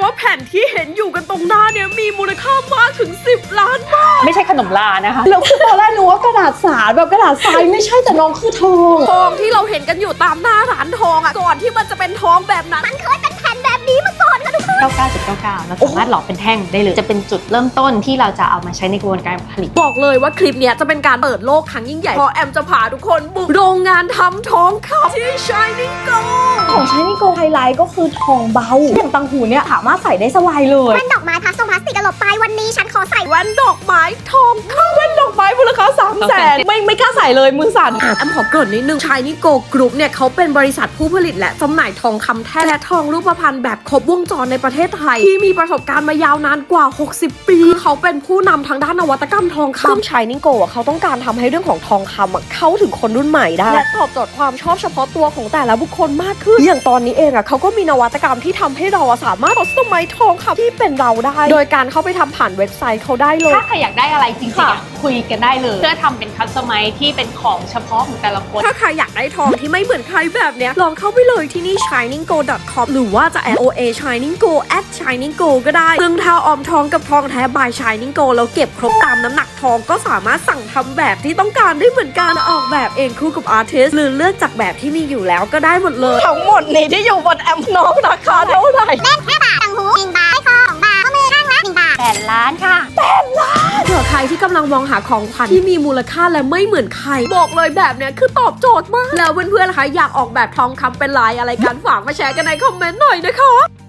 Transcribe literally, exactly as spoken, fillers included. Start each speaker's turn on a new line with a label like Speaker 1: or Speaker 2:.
Speaker 1: ว่าแผ่นที่เห็นอยู่กันตรงหน้าเนี่ยมีมูลค่ามากถึงสิบล้านบาท
Speaker 2: ไม่ใช่ขนมลานะคะ
Speaker 3: แล้วคือตอนแรกนึกว่ากระดาษสารแบบกระดาษทรายไม่ใช่แต่น้องคือทอง
Speaker 1: ทองที่เราเห็นกันอยู่ตามหน้าร้านทองอ่ะก่อนที่มันจะเป็นทองแบบนั้นมันเคยเป็นแผ่นแบบนี้มาก่อนค่ะทุกคน
Speaker 2: เก้าสิบเก้าจุดเก้าเก้า เราสามารถหลอมเป็นแท่งได้เลยจะเป็นจุดเริ่มต้นที่เราจะเอามาใช้ในกระบวนการผลิต
Speaker 1: บอกเลยว่าคลิปเนี้ยจะเป็นการเปิดโลกครั้งยิ่งใหญ่เพราะแอมจะพาทุกคนบุกโรงงานทำทองคำที่ Shining Gold
Speaker 3: ของใช้ในโกไฮไลท์ก็คือทองเบาอย่างตังหูเนี่ยสามารถใส่ได้สบายเลย
Speaker 4: แว่นดอกไม้พลาสติกพลาสติกกระหลบไปวันนี้ฉันขอใส่
Speaker 1: แว่นดอกไม้ทองคำ
Speaker 3: แว่นดอกไม้มูลค่าสามแสนไม่ไม่กล้าใส่เลยมือสั่น
Speaker 1: แอมขอเกริ่นนิดนึง Shining Gold Group เนี่ยเขาเป็นบริษัทผู้ผลิตและจำหน่ายทองคำแท้และทองรูปพรรณแบบครบวงจรในประเทศไทยที่มีประสบการณ์มายาวนานกว่าหกสิบปีเขาเป็นผู้นำทางด้านนวัตกรรมทองคำซึ่ง Shining Gold เขาต้องการทำให้เรื่องของทองคำเข้าถึงคนรุ่นใหม่ได้และตอบโจทย์ความชอบเฉพาะตัวของแต่ละบุคคลมากขึ้นอย่างตอนนี้เองอ่ะเขาก็มีนวัตกรรมที่ทำให้เราสามารถคัสตอมไมซ์ทองคำที่เป็นเราได้โดยการเข้าไปทำผ่านเว็บไซต์เขาได้เลย
Speaker 2: ถ้าใครอยากได้อะไรจริงๆคุยกันได้เลยเพื่อทำเป็นคัสตอมไมซ์ที่เป็นของเฉพาะของแต่ละคน
Speaker 1: ถ้าใครอยากได้ทองที่ไม่เหมือนใครแบบเนี้ยลองเข้าไปเลยที่นี่ shining gold dot com หรือว่าจะ แอด โอ เอ shining gold at shining gold ก็ได้ซึ่งถ้าออมทองกับทองแท้ by shining gold แล้วเก็บครบตามน้ำหนักทองก็สามารถสั่งทำแบบที่ต้องการได้เหมือนกันออกแบบเองคู่กับอาร์ติสหรือเลือกจากแบบที่มีอยู่แล้วก็ได้หมดเลย
Speaker 3: ทั้งหมดนี้ที่อยู่บนแอมน้องราคาเท่าไหร่
Speaker 4: เล่นแค่บาทต่างหูหนึ่งบาทให้ทองบาทข้อมือข้างละหนึ่งบาท
Speaker 2: แปดล้านค่ะ
Speaker 1: แปดล้านเผื่อใครที่กำลังมองหาของขวัญที่มีมูลค่าและไม่เหมือนใครบอกเลยแบบเนี้ยคือตอบโจทย์มากแล้วเพื่อนๆล่ะคะอยากออกแบบทองคำเป็นลายอะไรกันฝากมาแชร์กันในคอมเมนต์หน่อยนะคะ